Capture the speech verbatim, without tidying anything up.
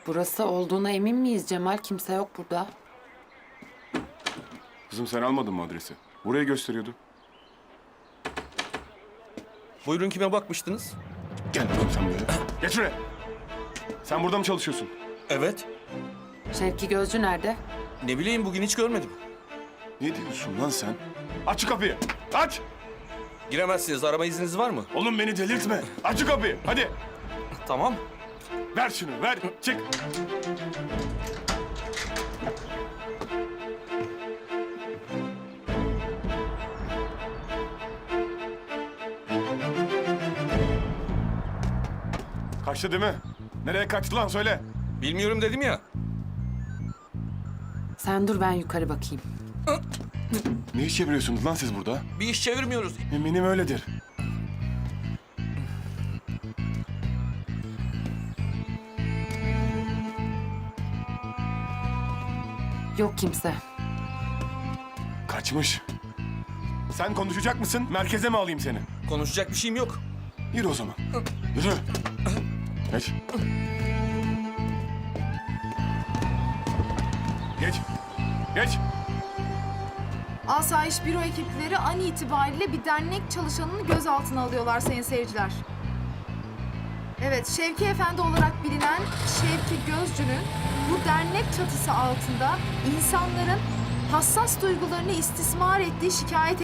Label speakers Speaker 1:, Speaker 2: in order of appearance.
Speaker 1: Burası olduğuna emin miyiz Cemal? Kimse yok burada.
Speaker 2: Kızım sen almadın mı adresi? Burayı gösteriyordu.
Speaker 3: Buyurun, kime bakmıştınız?
Speaker 2: Gel oğlum sen böyle. Geç şuraya. Sen burada mı çalışıyorsun?
Speaker 3: Evet.
Speaker 1: Şevki Gözcü nerede?
Speaker 3: Ne bileyim, bugün hiç görmedim.
Speaker 2: Ne diyorsun lan sen? Aç şu kapıyı. Aç.
Speaker 3: Giremezsiniz. Arama izniniz var mı?
Speaker 2: Oğlum beni delirtme. Aç şu kapıyı. Hadi.
Speaker 3: Tamam.
Speaker 2: Ver şunu ver. Çık. Kaçtı değil mi? Nereye kaçtı lan söyle.
Speaker 3: Bilmiyorum dedim ya.
Speaker 1: Sen dur ben yukarı bakayım.
Speaker 2: Ne iş çeviriyorsunuz lan siz burada?
Speaker 3: Bir iş çevirmiyoruz.
Speaker 2: Eminim öyledir.
Speaker 1: Yok kimse.
Speaker 2: Kaçmış. Sen konuşacak mısın? Merkeze mi alayım seni?
Speaker 3: Konuşacak bir şeyim yok.
Speaker 2: Yürü o zaman. Yürü. Geç. Geç. Geç.
Speaker 4: Asayiş Büro ekipleri an itibariyle bir dernek çalışanını gözaltına alıyorlar sayın seyirciler. Evet, Şevki Efendi olarak bilinen Şevki Gözcü'nün bu dernek çatısı altında insanların hassas duygularını istismar ettiği şikayet